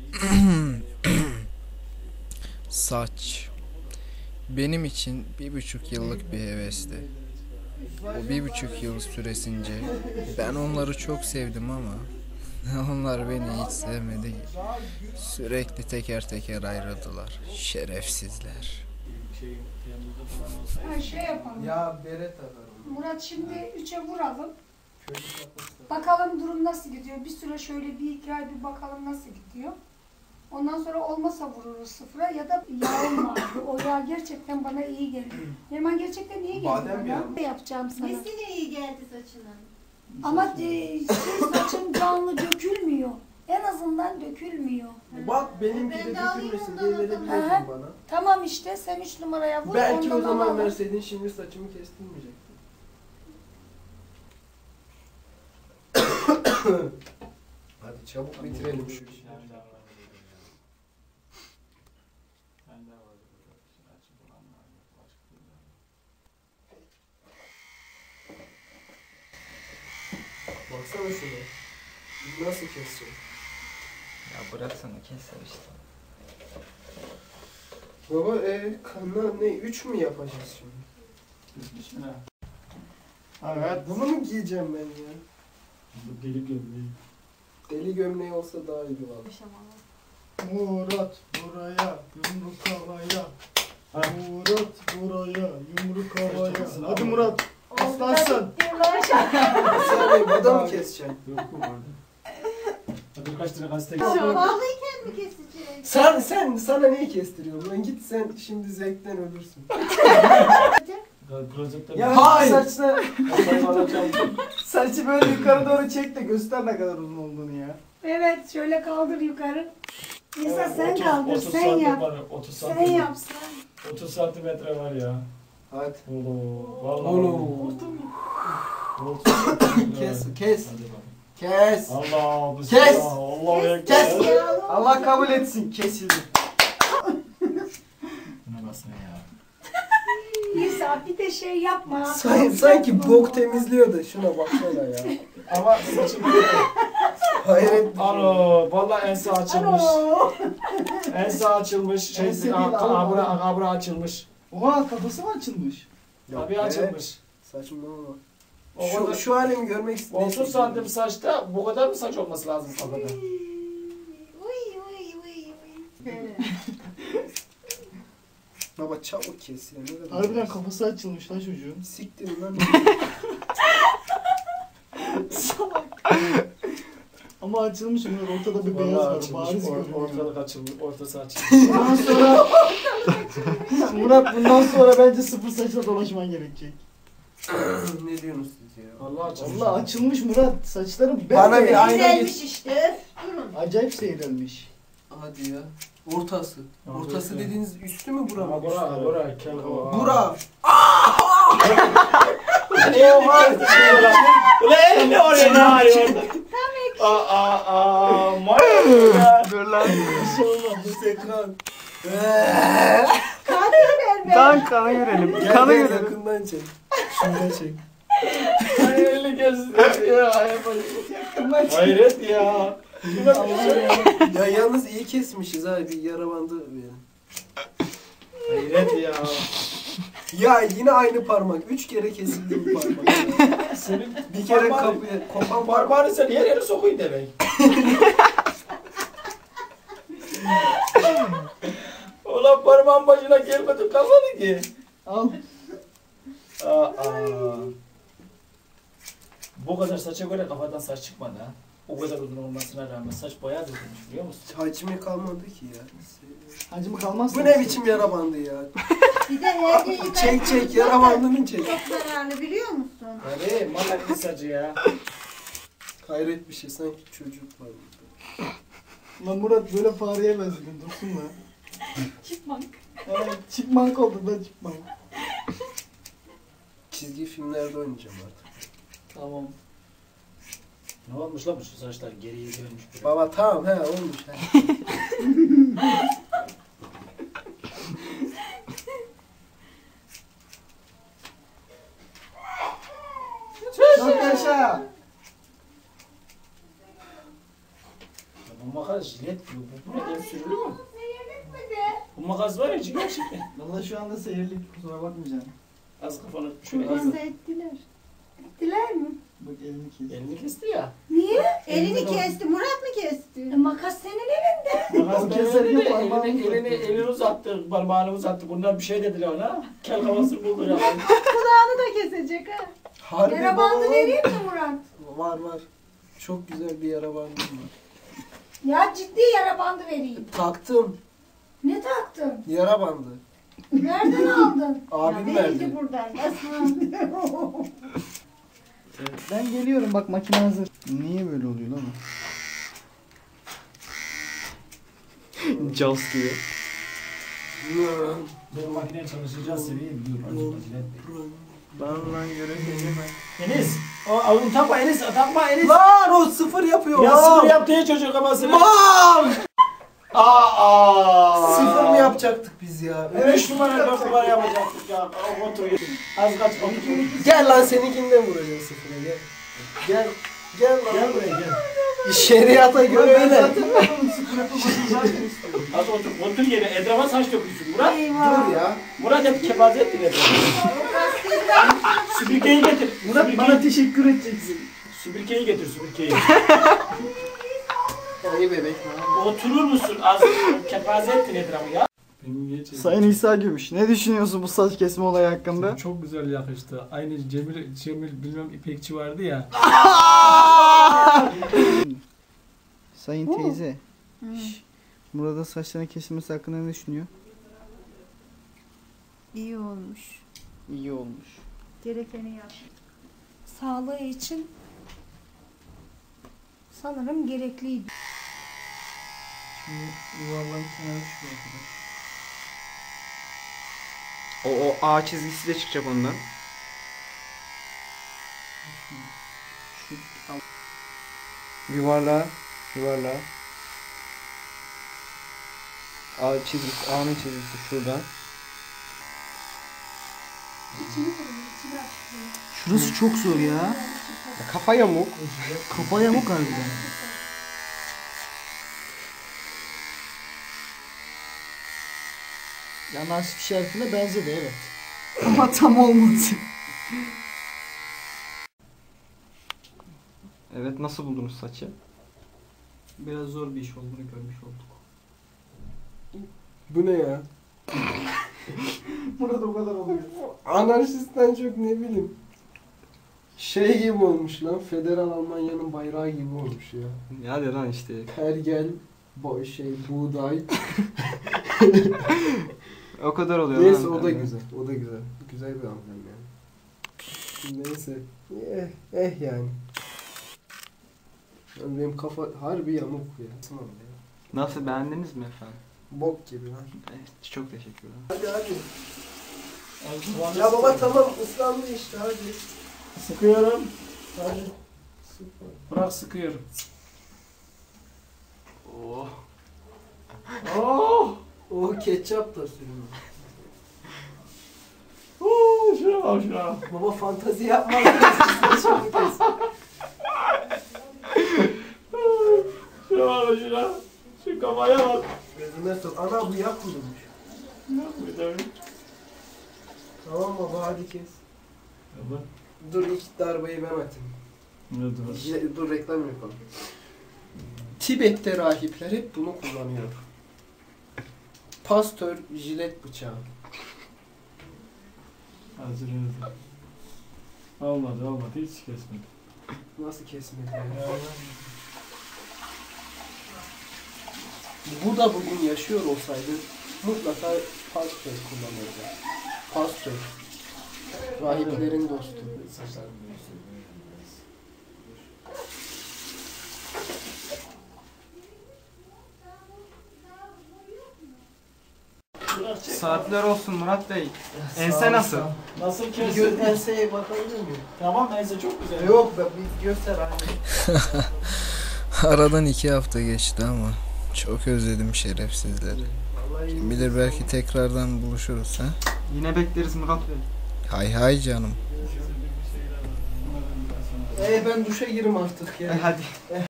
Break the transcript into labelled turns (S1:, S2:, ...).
S1: Saç. Benim için 1,5 yıllık bir hevesti. O 1,5 yıl süresince ben onları çok sevdim ama onlar beni hiç sevmedi. Sürekli teker teker ayrıldılar. Şerefsizler.
S2: Şey yapalım.
S3: Ya bere takarım.
S2: Murat şimdi 3'e vuralım. Bakalım durum nasıl gidiyor. Bir süre şöyle bir iki ay bir bakalım nasıl gidiyor. Ondan sonra olmasa vururuz sıfıra ya da yağım vardı. O yağ gerçekten bana iyi geldi. Neriman gerçekten iyi geldi
S3: Badem
S2: bana.
S3: yağı.
S2: Ne yapacağım sana?
S4: Nesine iyi geldi saçına?
S2: Ama saçın canlı dökülmüyor. En azından dökülmüyor.
S3: Bak benimki de
S4: Ben de alayım
S3: dökülmesin
S4: ondan
S3: diye
S4: o zaman.
S3: verebiliyorsun
S2: Aha.
S3: bana.
S2: Tamam işte sen 3 numaraya vur.
S3: Belki o
S2: ondan
S3: zaman
S2: alalım.
S3: verseydin şimdi saçımı kestirmeyecektin. Hadi çabuk bitirelim şu işi. Baksana şuna. Nasıl keseceğim?
S5: Ya bıraksana keser işte.
S3: Baba kanla ne? 3 mü yapacağız şimdi? Evet. Bunu mu giyeceğim ben ya?
S6: Deli gömleği.
S3: Deli gömleği olsa daha iyi valla.
S6: Murat buraya, yumruk havaya. Murat buraya, yumruk havaya. Hadi Murat, aslansın.
S3: Sen bu da mı keseceksin?
S6: Yok mu vardı? Hadi birkaç tane gazete
S4: Bağlıyken mi kesecek?
S3: Sana neyi kestiriyorum? Lan git sen şimdi zevkten ölürsün.
S6: Ya
S3: hayır.
S6: Saçı böyle yukarı doğru çek de göster ne kadar uzun olduğunu ya.
S2: Evet şöyle kaldır yukarı. Nisa sen
S6: 30
S2: kaldır
S6: 30
S2: sen
S6: santim
S2: yap.
S6: var, 30
S2: Sen
S6: santim.
S2: yap sen.
S6: 30 santimetre var ya.
S3: Hadi.
S6: Oğlum, vallahi.
S3: Oğlum.
S6: 30 santimetre.
S3: Kes.
S6: Hadi bakalım.
S3: Kes.
S6: Allah
S3: Kes.
S6: bismillah. Allahu ekber.
S3: Kes. Allah kabul etsin. Kesildi.
S6: Buna basın ya.
S2: Nisa bir de şey yapma.
S3: Sanki bok temizliyor da şuna baksana ya.
S6: Ama saçım
S3: Hayret.
S6: Alo, vallahi ense açılmış.
S2: Alo.
S6: Ense açılmış.
S3: Ense değil, Allah.
S6: Kabra açılmış.
S7: Oha kafası mı açılmış?
S6: Tabii açılmış.
S3: Saçmalama.
S6: O kadar-
S3: Şu halimi görmek istiyorum.
S6: 30 santim saçta bu kadar mı saç olması lazım kafada?
S4: Uy uy uy uy.
S3: Baba çabuk kes ya. Ne kadar
S7: Harbiden kafası açılmış lan çocuğun.
S3: siktir lan.
S7: Ama açılmış Murat, ortada bir beyaz
S6: Vallahi
S7: var.
S6: açılmış.
S7: Bariz görünüyor.
S6: Ortalık açılmış. Ortası açılmış.
S7: Bundan sonra Murat bundan sonra bence sıfır saçla dolaşman gerekecek.
S3: Ne diyorsunuz siz ya?
S6: Vallahi açılmış.
S7: Allah açılmış Murat. Saçların
S3: Bana
S7: bembeyaz.
S3: bir ayna
S4: Güzelmiş
S3: git.
S4: işte. Durun.
S7: Acayip seyrelmiş.
S3: Hadi ya. Ortası.
S6: Tamam,
S3: Ortası
S6: bekle.
S3: dediğiniz üstü mü bura mı?
S6: Ama bura, bura, kel o.
S3: Bura.
S6: Oha! Ulan elini oraya ne arıyor orada? Manyak.
S5: Dur lan.
S7: Bir şey olmaz. Bu ekran.
S5: Lan kanı görelim.
S3: Gel
S5: Kanı
S3: gel
S5: görelim.
S3: yakından çek. Şuradan çek.
S6: Ay elini kestim ya. Hayret ya. Şuna bir şey.
S3: Ya yalnız iyi kesmişiz ha, bir yara bandı verin.
S6: Hayret ya.
S3: Ya yine aynı parmak. 3 kere kesildi bu parmak.
S6: Senin
S3: Bir kere
S6: parmağın-
S3: kapıya kopan parmak.
S6: Parmağını sen her yere sokuyun demek. Ulan parmağın başına gelmedi kalmadı ki.
S7: Al.
S6: Aa. Bu kadar saça göre kafadan saç çıkmadı ha. O kadar uzun olmasına rağmen saç bayağı dökülmüş biliyor musun?
S3: Hacmi kalmadı ki ya.
S7: Hacımı kalmazsa.
S3: Bu ne biçim yara bandı ya?
S4: Bir de erkeği
S3: Çek yara bandını çek.
S4: çok zararlı biliyor musun?
S6: Hadi malak bir sacı ya.
S3: Hayret bir şey, sanki çocuk var burada.
S7: Lan Murat böyle fareye benzedin, dursun mu?
S2: Çıkmak.
S7: Evet, çıkmank oldu lan çıkmank.
S3: Çizgi filmlerde oynayacağım artık.
S7: Tamam.
S6: Ne olmuş lan bu şu saçlar geriye dönmüş. böyle.
S3: Baba tamam he olmuş he.
S7: Çok yaşa.
S6: Bu makas jilet bu. Bu ne el sürülü mü? Bu makas var ya gerçekten.
S7: Valla şu anda seyirlik, kusura bakmayacaksın.
S6: Az kafanı şöyle
S4: Kurban
S6: az.
S4: da ettiler.
S2: Ettiler mi?
S7: Bak elini kes.
S6: Elini kesti ya.
S2: Niye?
S4: Elini kesti. Murat mı kesti?
S2: Makas senin elinde.
S6: Makas
S7: O
S6: ben
S7: keserken
S6: elini,
S7: parmağını
S6: elini uzattı, parmağını uzattı. Bundan bir şey dediler ona. Kel kafasını buldu ya.
S4: Kulağını da kesecek ha.
S3: Harbi
S2: Yara bandı
S3: baba.
S2: vereyim mi Murat?
S3: Var var. Çok güzel bir yara bandım var.
S2: Ya ciddi yara bandı vereyim.
S3: Taktım.
S2: Ne taktın?
S3: Yara bandı.
S2: Nereden aldın?
S3: Abim
S4: Ya
S3: verdi.
S4: verildi buradan. Nasıl?
S7: Ben geliyorum, bak makine hazır. Niye böyle oluyor lan?
S5: Jaws gibi.
S6: Ben makineye çalışacağız seviyeyim. Dur.
S5: Lan göreceğim.
S6: Enes. Onu takma Enes. Takma Enes.
S3: Lan o sıfır yapıyor.
S6: Ya
S3: Mam!
S6: sıfır yaptı ya çocuk kafasını.
S3: Mam!
S6: Aa.
S3: Sıfır mı yapacaktık biz ya?
S6: 3 numara 4 numara yapacaktık ya. Otur. Az kaç otur.
S3: Gel lan seninkinden vuracağız sıfıra gel. Gel. Gel lan.
S6: Gel buraya gel.
S3: Şeriata göre öyle.
S6: Az otur. Otur yere. Etrafa saç dökülsün. Murat.
S3: Dur ya.
S6: Murat hep kepaze ettin etrafa. Süpürgeyi getir.
S7: Murat bana teşekkür edeceksin.
S6: Süpürgeyi getir süpürgeyi.
S3: İyi bebek lan.
S6: Oturur musun? Az kepaze ettin etrafı ya.
S7: Sayın İsa Gümüş, ne düşünüyorsun bu saç kesme olayı hakkında?
S8: Çok güzel yakıştı. Aynı Cemil bilmem İpekçi vardı ya.
S7: Sayın teyze. Murat'ın saçlarının kesilmesi hakkında ne düşünüyor?
S4: İyi olmuş.
S7: İyi olmuş.
S4: Gerekeni yap.
S2: Sağlığı için sanırım gerekliydi.
S7: Şimdi yuvarlanıp kenara düşüyor arkadaş.
S5: O A çizgisi de çıkacak ondan. Yuvarla. A çizgisi, A'nın çizgisi şuradan.
S7: Şurası çok zor ya.
S5: Kafa yamuk.
S7: Kafa yamuk harbiden. Ya Nasip Şerif'ine benzedi evet. Ama tam olmadı.
S5: Evet, nasıl buldunuz saçı?
S7: Biraz zor bir iş olduğunu görmüş olduk.
S3: Bu ne ya?
S7: Murat o kadar oluyor.
S3: Anarşistten çok ne bileyim. Şey gibi olmuş lan. Federal Almanya'nın bayrağı gibi olmuş ya.
S5: Hadi lan işte.
S3: Pergel, buğday.
S5: O kadar oluyor
S3: Neyse
S5: lan.
S3: o da güzel. O da güzel. Güzel bir amblem yani. Neyse. Yani. Yani benim kafa harbi yamuk ya. Tamam ya.
S5: Nasıl, beğendiniz mi efendim?
S3: Bok gibi lan.
S5: Evet, çok teşekkürler.
S3: Hadi. Ya baba tamam ıslandı işte hadi.
S6: Sıkıyorum.
S3: Hadi. Süper.
S6: Bırak sıkıyorum.
S5: Oh.
S6: Oh.
S3: O ketçap da sürüyor.
S6: Şuna bak şuna.
S3: Baba fantazi yapma. Saçımı kes.
S6: Şuna bak şuna. Şu kafaya bak.
S3: Gözüme sok. Ana bu yak kurumuş.
S6: Bir de
S3: Tamam baba hadi kes.
S6: Tamam.
S3: Dur ilk darbeyi ben atayım.
S6: Ne dur.
S3: Dur reklam yapalım. Tibet'te rahipler hep bunu kullanıyor. Pastör jilet bıçağı.
S6: Hazır. Olmadı hiç kesmedi.
S3: Nasıl kesmedi ya? Bu da bugün yaşıyor olsaydı mutlaka pastör kullanırdı. Pastör. Rahiplerin dostu.
S5: Saatler olsun Murat Bey. Ense nasıl?
S6: Nasıl
S3: Bir
S6: kesin?
S3: enseye bakabilir miyim?
S6: Tamam ense çok güzel.
S3: Yok be bir göster anne.
S1: Aradan 2 hafta geçti ama çok özledim şerefsizleri.
S3: Vallahi
S1: Kim bilir belki tekrardan buluşuruz ha.
S5: Yine bekleriz Murat Bey.
S1: Hay hay canım.
S3: ben duşa girim artık ya.
S5: Hadi.